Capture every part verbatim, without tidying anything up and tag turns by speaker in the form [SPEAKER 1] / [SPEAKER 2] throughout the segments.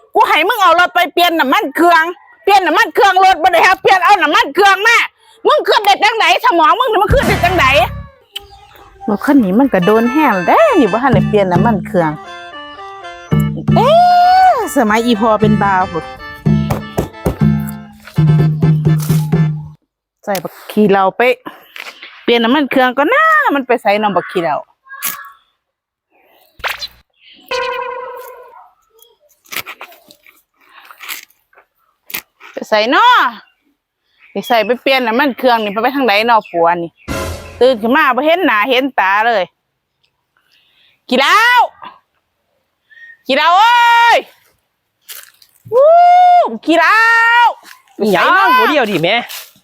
[SPEAKER 1] กูให้มึงเอารถไปเปลี่ยนน้ำมันเครื่องเปลี่ยนน้ำมันเครื่องรถบ่ได้ครับเปลี่ยนเอาน้ำมันเครื่องมามึงขึ้นเด็ดจังไหนสมองมึงนี่มันขึ้นเด็ดจังไหนรถคันนี้มันก็โดนแห้งได้นี่บ่ทันได้เปลี่ยนน้ำมันเครื่องเอ๊ะสมัยอีพอเป็นบ่าวพุ่นใส่บักขี้เหล้าไปเปลี่ยนน้ำมันเครื่องก็น่ามันไปใส่น้ำบักขี้เหล้าไปใส่เนาะไปใส่ไปเปลี่ยนน้ำมันเครื่องนี่ไปไปทางไหนเนาะผัวนี่ตื่นขึ้นมาบ่เห็นหน้าเห็นตาเลยขี้เหล้าขี้เหล้าเอ้ยวู้ขี้เหล้า
[SPEAKER 2] หยังบ่เดียวดิแม่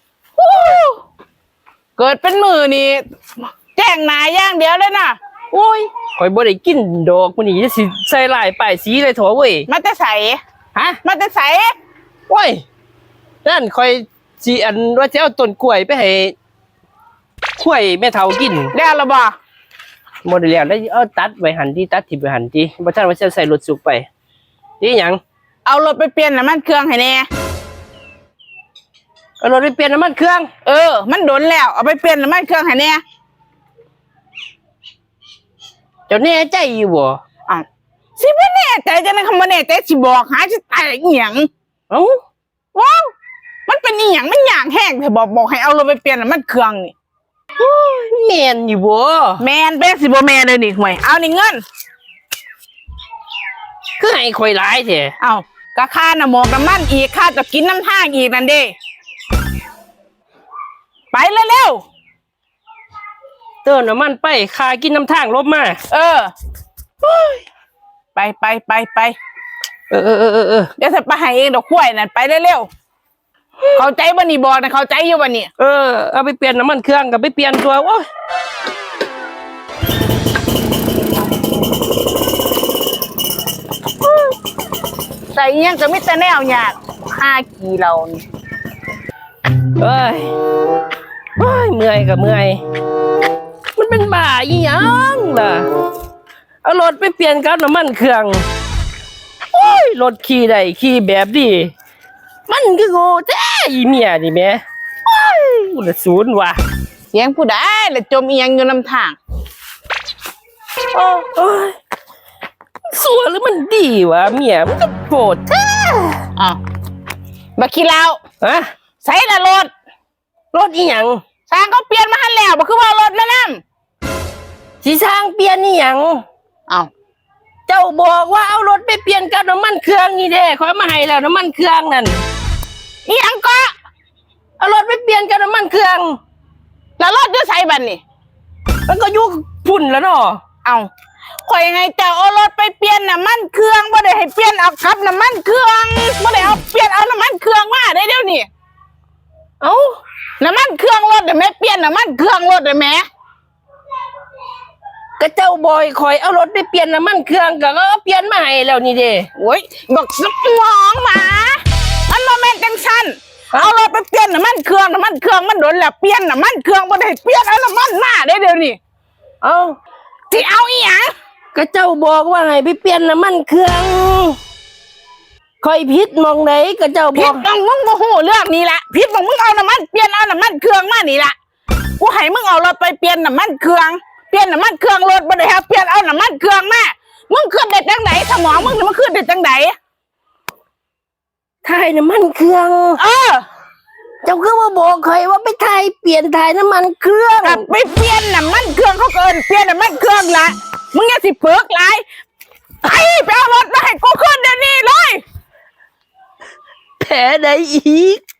[SPEAKER 1] เกิดเป็นมือนี่แจ้งหน้าอย่างเดียวเลยนะโอ้ย
[SPEAKER 2] ข่อยบ่ได้กินดอกมื้อนี้จะสิใส่ลายป้ายสีเลยโถเว้ย
[SPEAKER 1] มาแต่ใส่
[SPEAKER 2] ฮะ
[SPEAKER 1] มาแต่ใส่
[SPEAKER 2] โอ้ยนั่นข่อยสิอันว่าจะเอาต้นกล้วยไปให้ข้วยแม่เฒ่ากิน
[SPEAKER 1] แล้วล่ะบ่
[SPEAKER 2] บ่ได้แล้วแล้วเอาตัดไว้หั่นติตัดทิ่มไว้หั่นติบ่ทันว่าจะใส่รถสุกไปนี่หยัง
[SPEAKER 1] เอารถไปเปลี่ยนน้ำมันเครื่องให้แน่
[SPEAKER 2] เอารถไปเปลี่ยนน้ำมันเครื่อง
[SPEAKER 1] เออมันโดนแล้วเอาไปเปลี่ยนน้ำมันเครื่องให้แน่
[SPEAKER 2] เจ้าแน่ใจอยู่บ่
[SPEAKER 1] อ้าวสิบ่แน่ใจจังได๋คำบ่แน่ใจสิบอกหาสิตายอีหยัง
[SPEAKER 2] เอ้า
[SPEAKER 1] ว้าวมันเป็นอีหยังมันยากแห้งแต่บอกบอกให้เอารถไปเปลี่ยนน้ำมันเครื่องนี่
[SPEAKER 2] แม่นอยู่บ่
[SPEAKER 1] แม่นเป็นสิบ่แม่นเลยนี่ห่วยเอานี่เงิน
[SPEAKER 2] คือให้ข่อยหลายแท้
[SPEAKER 1] เอ้าก็ค่าน้ำหมอกน้ำมันอีกค่าจะกินน้ำทางอีกนั่นเด้ไปเร็ว
[SPEAKER 2] ๆเติมน้ำมันไปค่ากินน้ำทางลบมา
[SPEAKER 1] เออไปไปไปไป
[SPEAKER 2] เออเออเออเออ
[SPEAKER 1] เดี๋ยวจะไปให้เองดอกกล้วยนั่นไปเร็วๆเข้าใจบ่นี่บอกนะเข้าใจอยู่บ่นี่
[SPEAKER 2] เออเอาไปเปลี่ยนน้ำมันเครื่องกับไปเปลี่ยนตัวโอ้ย
[SPEAKER 1] ใส่เงี้ยก็มิแต่แนวยากห้ากีเรานี่
[SPEAKER 2] เอ้ยเฮ้ยเมื่อยกับเมื่อยมันเป็นบ้าอีหยังล่ะเอารถไปเปลี่ยนกับน้ำมันเครื่องโอ้ยรถขี่ได้ขี่แบบดีมันก็โง่แท้อีเมียนี่แม่โอ้ยอุลศูนย์ว่ะ
[SPEAKER 1] เสียงผู้ใดแล้วจมเอียงอยู่ลำทาง
[SPEAKER 2] โอ้ยสัวหรือมันดีวะเมียมันก็โกรธแท้
[SPEAKER 1] อ้าวบักขี้เหล้า
[SPEAKER 2] ฮะ
[SPEAKER 1] ใส่ละรถ
[SPEAKER 2] รถอีหยัง
[SPEAKER 1] สร้างเขาเปลี่ยนมาหันแล้วบ่คือว่ารถแม่น้
[SPEAKER 2] ำสิสร้างเปลี่ยนอีหยัง
[SPEAKER 1] อ้าว
[SPEAKER 2] เจ้าบอกว่าเอารถไปเปลี่ยนกับน้ำมันเครื่องนี่เด้ขอมาให้แล้วน้ำมันเครื่องนั่น
[SPEAKER 1] อีหยังก็
[SPEAKER 2] เอารถไปเปลี่ยนกับน้ำมันเครื่อง
[SPEAKER 1] แล้วรถอยู่ไสบัดนี่
[SPEAKER 2] มันก็อยู่พุ่นแล้วเนาะ
[SPEAKER 1] เอ้าข่อยให้เจ้าเอารถไปเปลี่ยนน้ำมันเครื่องบ่ได้ให้เปลี่ยนเอาขับน้ำมันเครื่องบ่ได้เอาเปลี่ยนเอาน้ำมันเครื่องมาได้เดี๋ยวนี้
[SPEAKER 2] เอ้า
[SPEAKER 1] น้ำมันเครื่องรถได้แม่เปลี่ยนน้ำมันเครื่องรถได้แม่
[SPEAKER 2] ก็เจ้าบอยคอยเอารถไปเปลี่ยนน้ำมันเครื่องก็เอาเปลี่ยนมาให้แล้วนี่เด้
[SPEAKER 1] โอ้ยบอกสมองหมามันโมเมนต์จังซั่นเอารถไปเปลี่ยนน้ำมันเครื่องน้ำมันเครื่องมันโดนแล้วเปลี่ยนน้ำมันเครื่องบ่ได้เปลี่ยนเอาน้ำมันมาได้เดี๋ยวนี้
[SPEAKER 2] เอ้า
[SPEAKER 1] สิเอาอีหยัง
[SPEAKER 2] ก็เจ้าบอกว่าให้ไปเปลี่ยนน้ำมันเครื่องคอยผิดมองไหนก็เจ้าบอก
[SPEAKER 1] ผิดมองมึงโมโหเรื่องนี้ละผิดมองมึงเอาน้ำมันเปลี่ยนเอาน้ำมันเครื่องมานี่ละกูให้มึงเอารถไปเปลี่ยนน้ำมันเครื่องเปลี่ยนน้ำมันเครื่องรถบ่ได้ครับเปลี่ยนเอาน้ำมันเครื่องมามึงขึ้นเด็ดจังไหนสมองมึงนี่มันขึ้นเด็ดจังไหน
[SPEAKER 2] ถ่ายน้ำมันเครื่อง
[SPEAKER 1] เออ
[SPEAKER 2] เจ้าก็ว่าบอกใครว่าไปถ่ายเปลี่ยนถ่ายน้ำมันเครื่อง
[SPEAKER 1] กลับไปเปลี่ยนน้ำมันเครื่องเขาเกินเปลี่ยนน้ำมันเครื่องละมึงอย่าสิเพิกไรไอ้ไปเอารถมาให้กูขึ้นเดี๋ยวนี้เลย
[SPEAKER 2] แผลใดอีก